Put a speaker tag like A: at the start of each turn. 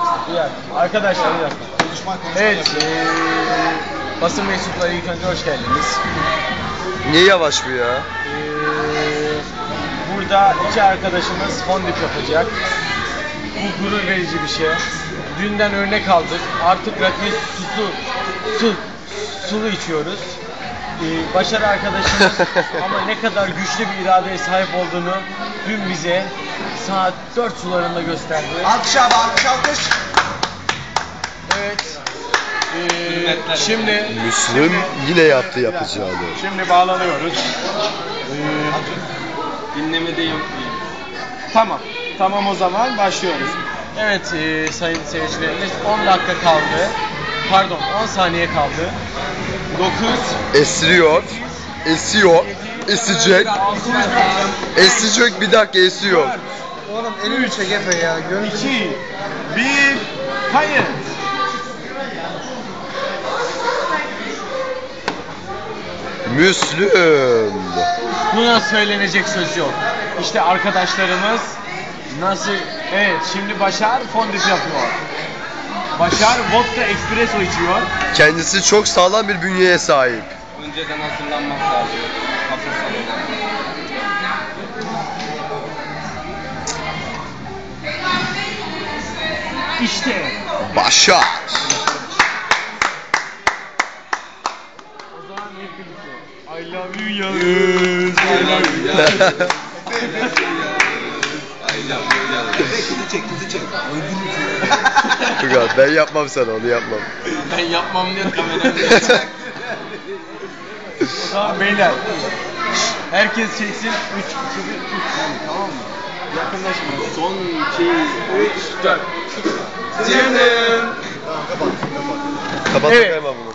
A: Arkadaşlar bir dakika. Evet, basın mensupları ilk önce hoş geldiniz.
B: Niye yavaş bu ya?
A: Burada iki arkadaşımız fondip yapacak. Bu gurur verici bir şey. Dünden örnek aldık. Artık rakı sulu içiyoruz. Başarı arkadaşımız ama ne kadar güçlü bir iradeye sahip olduğunu dün bize saat 4 sularında gösterdi.
C: Alkış abi, alkış.
A: Evet. Şimdi
B: Müslüm yine yaptı yapacağını.
A: Şimdi bağlanıyoruz.
D: Dinlemede yok diye.
A: Tamam o zaman başlıyoruz. Evet sayın seyircilerimiz 10 dakika kaldı. Pardon 10 saniye kaldı. 9
B: Esiyor. Esecek. Esecek, bir dakika esiyor.
C: Oğlum elini çek Efe ya.
A: 2 1 kayıt.
B: Müslüm.
A: Buna söylenecek söz yok. İşte arkadaşlarımız nasıl... Evet şimdi Başar fondip yapıyor. Başar vodka espresso içiyor.
B: Kendisi çok sağlam bir bünyeye sahip.
D: Önceden hazırlanmak lazım.
A: İşte.
B: Başar.
A: O zaman hep birlikte. I love you Yağız. I love you Yağız.
C: Kızı çek.
B: Fırat, ben yapmam sana, onu yapmam.
D: Ben yapmam diye kameramı
A: O zaman beyler. Herkes çeksin. 3, 2, 1, 3. Tamam mı? Yakınlaşın.
D: Son 2, 3, 4.
B: Kapat
A: Evet.
B: hemen bunu.